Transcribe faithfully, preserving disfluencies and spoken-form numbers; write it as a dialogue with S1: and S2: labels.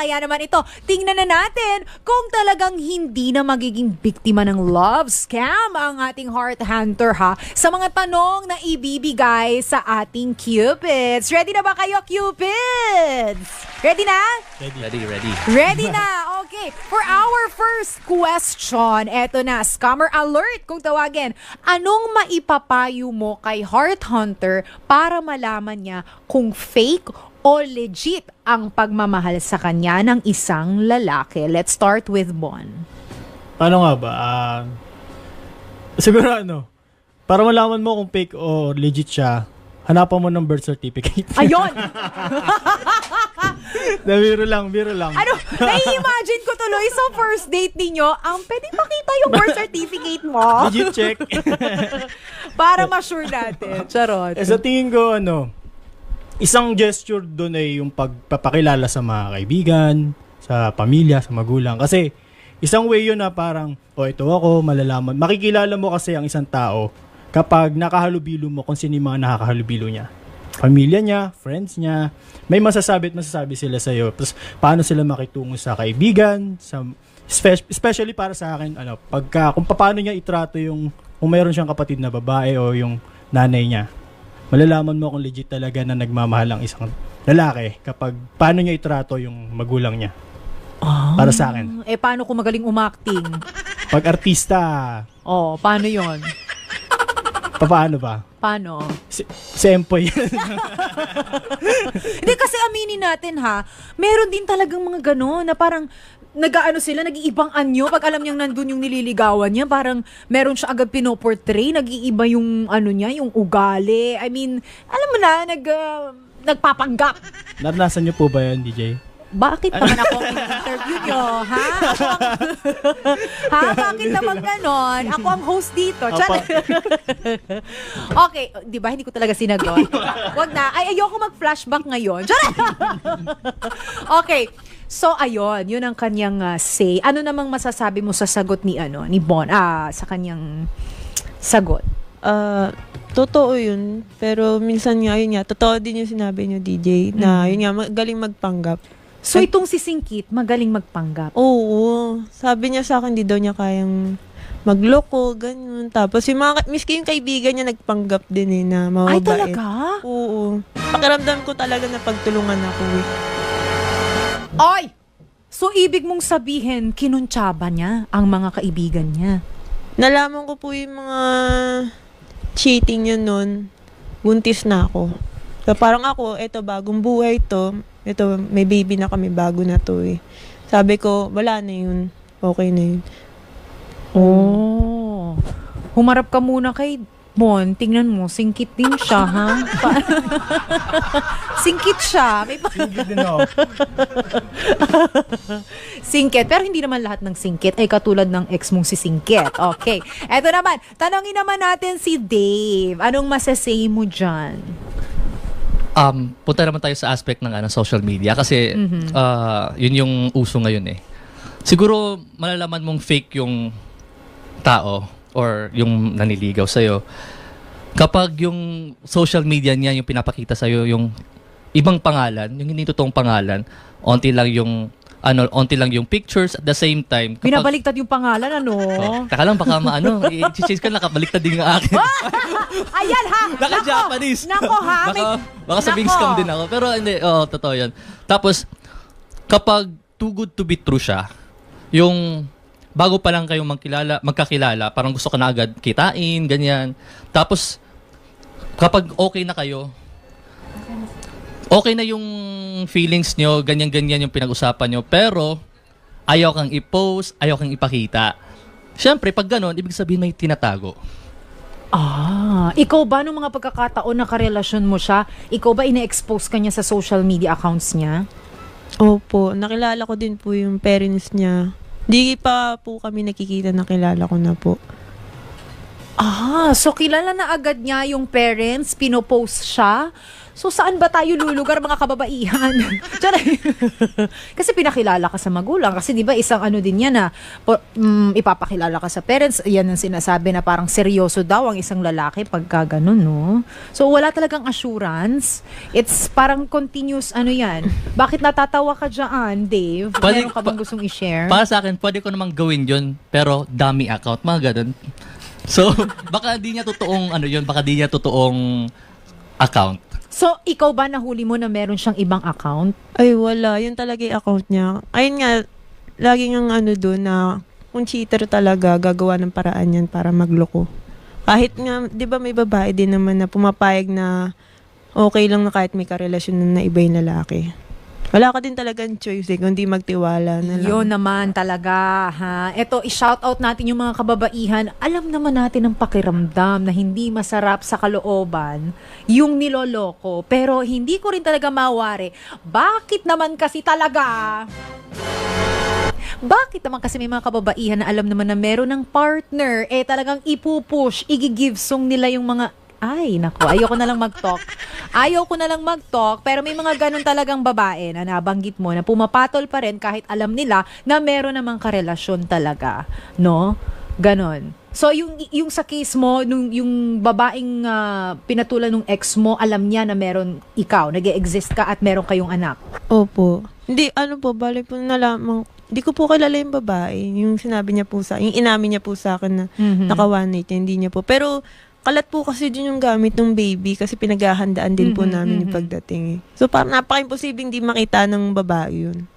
S1: Kaya naman ito, tingnan na natin kung talagang hindi na magiging biktima ng love scam ang ating heart hunter ha, sa mga tanong na ibibigay sa ating Cupids. Ready na ba kayo, Cupids? Ready na?
S2: Ready, ready. Ready,
S1: Ready na! Okay, for our first question, eto na, scammer alert kung tawagin. Anong maipapayo mo kay heart hunter para malaman niya kung fake o legit ang pagmamahal sa kanya ng isang lalaki? Let's start with Bon.
S3: Ano nga ba? Uh, siguro ano, para malaman mo kung fake o legit siya, hanapan mo ng birth certificate.
S1: Ayun!
S3: Na biro lang, biro lang.
S1: Ano, nai-imagine ko tuloy sa first date ninyo, ang um, pwede pakita yung birth certificate mo?
S3: Legit check.
S1: Para ma-sure natin. Charot.
S3: Eh, sa tingin ko, ano, isang gesture doon ay yung pagpapakilala sa mga kaibigan, sa pamilya, sa magulang. Kasi, isang way yun na parang, oh, ito ako, malalaman. Makikilala mo kasi ang isang tao kapag nakahalubilo mo kung sino yung mga nakakahalubilo niya. Pamilya niya, friends niya, may masasabi at masasabi sila sa iyo. Tapos, paano sila makitungo sa kaibigan, sa, especially para sa akin, ano, pagka, kung paano niya itrato yung, kung mayroon siyang kapatid na babae o yung nanay niya. Malalaman mo kung legit talaga na nagmamahal ang isang lalaki kapag paano niya itrato yung magulang niya.
S1: Oh,
S3: para sa akin.
S1: Eh, paano kung magaling umakting?
S3: Pag artista,
S1: oh, paano yon?
S3: paano ba?
S1: Paano?
S3: Si, si Empoy.
S1: Hindi, kasi aminin natin ha, meron din talagang mga gano'n na parang nag-aano sila, nag-iibang anyo. Pag alam niyang nandun yung nililigawan niya, parang meron siya agad pinoportray, nag-iiba yung ano niya, yung ugali. I mean, alam mo na, nag, uh, nagpapanggap.
S3: Naranasan niyo po ba yan, D J?
S1: Bakit naman ako ang interview nyo? Ha? Ako ang... ha? Bakit naman ganon? Ako ang host dito. Okay. Di ba? Hindi ko talaga sinagot. Wag na. Ay, ayoko mag-flashback ngayon. Okay. So, ayun. Yun ang kanyang uh, say. Ano namang masasabi mo sa sagot ni, ano, ni Bon? Ah, sa kanyang sagot.
S4: Ah... Uh, Totoo yun, pero minsan nga, yun nga, totoo din yung sinabi niyo, D J, na yun nga, magaling magpanggap.
S1: So, itong si Singkit, magaling magpanggap?
S4: Oo. Sabi niya sa akin, di daw niya kayang magloko, ganyan. Tapos, yung mga, miski yung kaibigan niya, nagpanggap din eh, na mababait.
S1: Ay, talaga?
S4: Oo. Pakiramdam ko talaga na pagtulungan ako eh.
S1: Ay! So, ibig mong sabihin, kinuntsaba niya ang mga kaibigan niya?
S4: Nalaman ko po yung mga cheating yun nun, buntis na ako. So, parang ako, eto, bagong buhay to. Ito, may baby na kami, bago na to eh. Sabi ko, wala na yun. Okay na yun.
S1: Oh. Humarap ka muna kay Bon. Tingnan mo, singkit din siya, ha? Singkit siya. May pa-
S3: Singkit din ako.
S1: Singkit. Pero hindi naman lahat ng singkit ay katulad ng ex mong si Singkit. Okay. Eto naman, tanongin naman natin si Dave. Anong masasay mo dyan?
S2: Um, punta naman tayo sa aspect ng ano, social media kasi mm-hmm. uh, yun yung uso ngayon eh. Siguro malalaman mong fake yung tao or yung naniligaw sa'yo kapag yung social media niya yung pinapakita sa'yo yung ibang pangalan, yung hindi totoong pangalan, onti lang yung ano, onti lang yung pictures at the same time. Kapag,
S1: binabaliktad yung pangalan, ano?
S2: Oh, taka lang, baka maano, i-change ka, nakabaliktad din yung akin.
S1: Ayan ha!
S2: Naka-Japanese.
S1: Nako ha!
S2: Baka,
S1: May...
S2: baka sabing scam din ako. Pero hindi, oh, totoo yun. Tapos, kapag too good to be true siya, yung bago pa lang kayong magkilala, magkakilala, parang gusto ka na agad kitain, ganyan. Tapos, kapag okay na kayo, okay na yung feelings nyo, ganyan-ganyan yung pinag-usapan nyo, pero ayaw kang i-post, ayaw kang ipakita. Siyempre, pag gano'n, ibig sabihin may tinatago.
S1: Ah, ikaw ba nung mga pagkakataon na karelasyon mo siya, ikaw ba ina-expose ka niya sa social media accounts niya?
S4: Opo, nakilala ko din po yung parents niya. Di pa po kami nakikita, nakilala ko na po.
S1: Ah, so kilala na agad niya yung parents, pinopost siya. So, saan ba tayo lulugar, mga kababaihan? Tiyaray. Kasi pinakilala ka sa magulang. Kasi di ba isang ano din yan na po, mm, ipapakilala ka sa parents. Yan ang sinasabi na parang seryoso daw ang isang lalaki pagka ganun, no? So, wala talagang assurance. It's parang continuous ano yan. Bakit natatawa ka dyan, Dave?
S2: Pwede-
S1: Meron ka bang
S2: pa-
S1: gustong i-share?
S2: Para sa akin, pwede ko namang gawin yun, pero dummy account, mga ganun. So, baka di niya totoong, ano yun, baka di niya totoong account.
S1: So, ikaw ba nahuli mo na meron siyang ibang account?
S4: Ay, wala. Yun talaga yung account niya. Ayun nga, lagi nga ano doon na kung cheater talaga, gagawa ng paraan yan para magloko. Kahit nga, di ba may babae din naman na pumapayag na okay lang na kahit may karelasyon na iba yung lalaki. Wala ka din talagang choice eh, kundi magtiwala na lang.
S1: Yun naman talaga, ha? Ito, i-shoutout natin yung mga kababaihan. Alam naman natin ang pakiramdam na hindi masarap sa kalooban yung niloloko. Pero hindi ko rin talaga mawari. Bakit naman kasi talaga? Bakit naman kasi may mga kababaihan na alam naman na meron ng partner, eh talagang ipupush, igigive song nila yung mga ay, naku, ayoko na lang mag-talk. Ayaw ko na lang mag-talk, pero may mga ganun talagang babae na nabanggit mo na pumapatol pa rin kahit alam nila na meron namang karelasyon talaga. No? Ganon. So, yung, yung sa case mo, nung, yung babaeng uh, pinatulan ng ex mo, alam niya na meron ikaw, nag-e-exist ka at meron kayong anak.
S4: Opo. Hindi, ano po, bali po nalamang, hindi ko po kilala yung babae. Yung sinabi niya po sa, yung inamin niya po sa akin na
S1: Mhm.
S4: naka-one night, hindi niya po. Pero, kalat po kasi din yung gamit ng baby kasi pinaghahandaan din po
S1: Mhm,
S4: namin yung
S1: mhm.
S4: pagdating eh. So, parang napaka-imposible hindi makita ng babae yun.